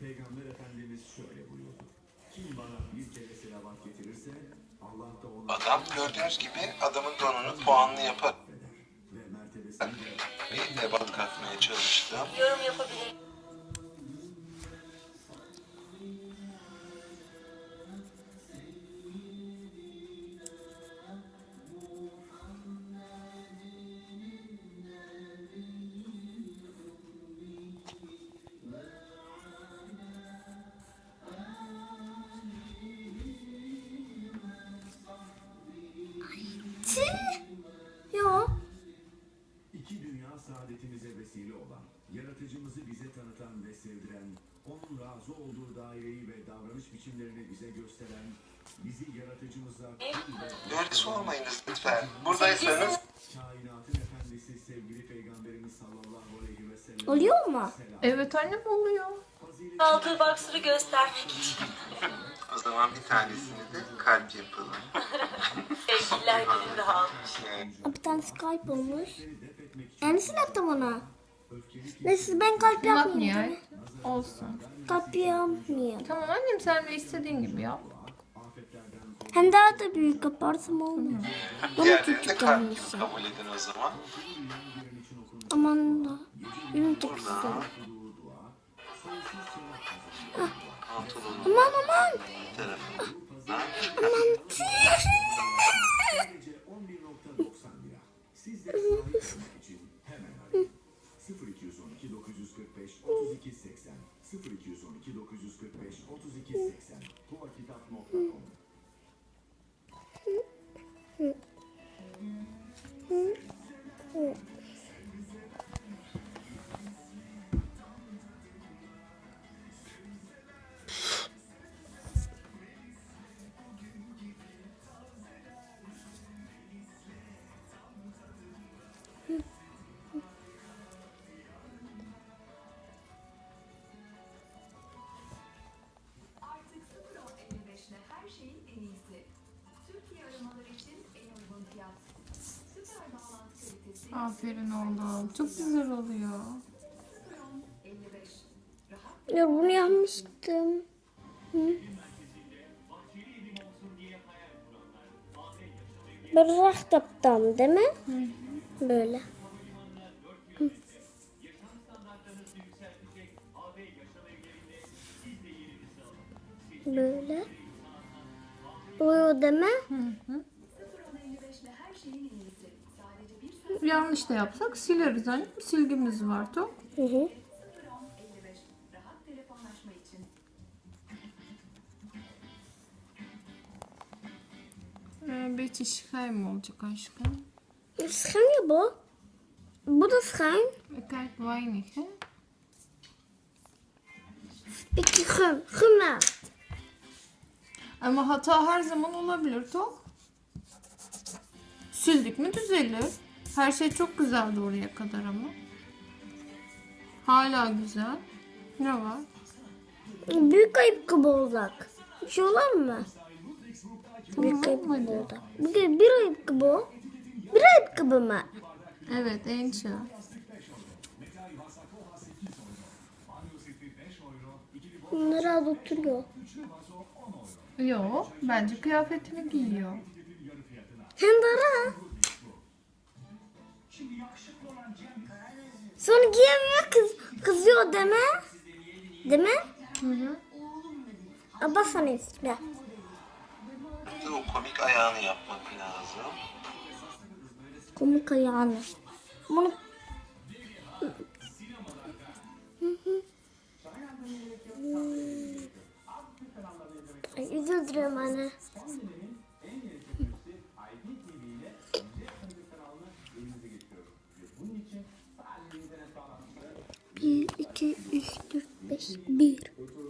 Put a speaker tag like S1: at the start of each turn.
S1: Peygamber Efendimiz şöyle buyurdu. Kim bana bir kere selavat getirirse Allah da ona...
S2: Adam gördüğünüz gibi adamın donunu puanlı yapar.
S1: Ve mertebesini de...
S2: Bir de bal katmaya çalıştım.
S3: Yorum yapabilir.
S4: Yok.
S1: İki dünya saadetimize vesile olan, yaratıcımızı bize tanıtan ve sevdiren, onun razı olduğu daireyi ve davranış biçimlerini bize gösteren, bizi yaratıcımıza
S2: Derdisi olmayınız lütfen. Buradaysanız
S1: kainatın efendisi sevgili Peygamberimiz sallallahu aleyhi ve sellem
S4: Oluyor mu?
S5: Evet annem oluyor.
S3: Aldığı boxer'ı göstermek için.
S2: o zaman bir tanesini de kalp yapalım.
S3: Sevgililer gününde almış.
S4: Bir tane Skype olmuş. Yenisini attım ona. Neyse ben kalp
S5: Bak
S4: yapmayayım.
S5: niye? Olsun.
S4: Kalp yapmayayım.
S5: Tamam annem sen de istediğin gibi yap.
S4: Hem daha da büyük yaparsam olmuyor. Bunu
S2: Diğerlerini de
S4: küçük
S2: kalp gibi
S4: yapmışım.
S2: kabul edin o zaman.
S4: Aman da. Benim çok güzel.
S2: Pantolonun
S4: Aman aman.
S2: bir tarafından
S4: Aman.
S1: sadece 11.90 lira. Siz de sahip olmak için hemen arayın. 0212 945 32 80 0212 945 32 80 tuvakitap.com
S6: Artık 0.55'le her şeyin en iyisi. Türkiye aramaları için en uygun fiyat. Süper bağlantı kalitesi
S5: Aferin oğlum. Çok güzel oluyor.
S6: 0.55. Rahat
S4: Ya bunu yapmıştım. Bırak yaptım değil mi? Böyle. Böyle. Oluyor değil mi?
S6: 0.55'le her şeyin en iyisi. Sadece bir söz
S5: Yanlış da yapsak sileriz annem. Silgimiz var top.
S4: Hı hı.
S6: 0.55. Rahat telefonlaşma için.
S5: Bir schijm olacak aşkım.
S4: Schijn ya bu. Bu da schijn.
S5: Kijk weinig hè.
S4: Peki güm. Güm ver.
S5: Ama hata her zaman olabilir Tok. Sildik mi düzelir. Her şey çok güzeldi oraya kadar ama. Hala güzel. Ne var?
S4: Büyük ayıp gibi olacak. Bir şey olur mu? Büyük ayıp
S5: Tamam
S4: gibi
S5: hadi.
S4: olacak. Bir ayıp gibi o. Bir ayıp gibi mi?
S5: Evet Ençe.
S4: Bunları al oturuyor.
S5: Yok bence kıyafetini giyiyor.
S4: Hem de ara. Sonra giyemiyor kızıyor değil mi? Değil mi?
S5: Hı hı.
S4: Abla sana istiyor.
S2: Bir de o komik ayağını yapmak lazım.
S4: Komik ayağını. Bunu... Ay, üzüldürüyorum anne. Bir, iki, üç, dört, beş, bir.